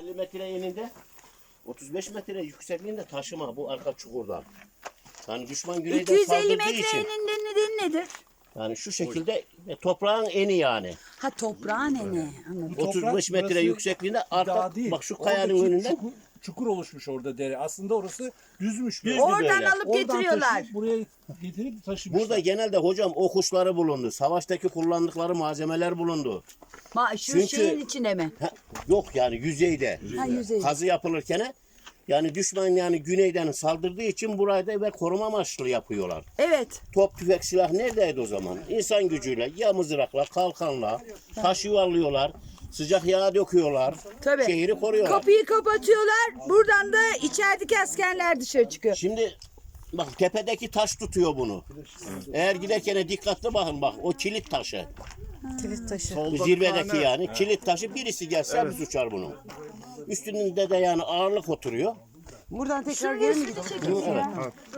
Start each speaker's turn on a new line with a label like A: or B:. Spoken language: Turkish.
A: 250 metre eninde 35 metre yüksekliğinde taşıma bu arka çukurdan. Yani düşman güneyden
B: 250
A: saldırdığı
B: metre
A: için.
B: eninde nedeni nedir?
A: Yani şu şekilde toprağın eni yani.
B: Ha toprağın eni. Anladım.
A: 35 metre
C: burası
A: yüksekliğinde arka
C: dağ değil.
A: bak şu kayanın
C: Oradaki
A: önünden
C: çukur oluşmuş orada dere. Aslında orası düzmüş.
A: Düz.
B: Oradan
A: böyle.
B: alıp
C: Oradan
B: getiriyorlar.
C: taşıyıp buraya getirip taşımışlar.
A: burada genelde hocam o kuşları bulundu. Savaştaki kullandıkları malzemeler bulundu.
B: Şu
A: Çünkü-
B: şeyin içine mi?
A: Ha, yok yani yüzeyde.
B: Ha yüzey.
A: Kazı yapılırken yani düşman yani güneyden saldırdığı için burayı da ve koruma amaçlı yapıyorlar.
B: Evet.
A: Top, tüfek, silah neredeydi o zaman? İnsan gücüyle, ya mızrakla, kalkanla, taş yuvarlıyorlar, sıcak yağ döküyorlar,
B: Tabii.
A: şehri koruyorlar.
B: Kapıyı kapatıyorlar. Buradan da içerideki askerler dışarı çıkıyor.
A: Şimdi bak tepedeki taş tutuyor bunu. Eğer giderken dikkatli bakın bak o kilit taşı.
B: Kilit taşı.
A: Bu zirvedeki yani kilit taşı birisi gelse hepsi uçar bunun. Üstünde de yani ağırlık oturuyor.
B: Buradan tekrar geri mi gidecek?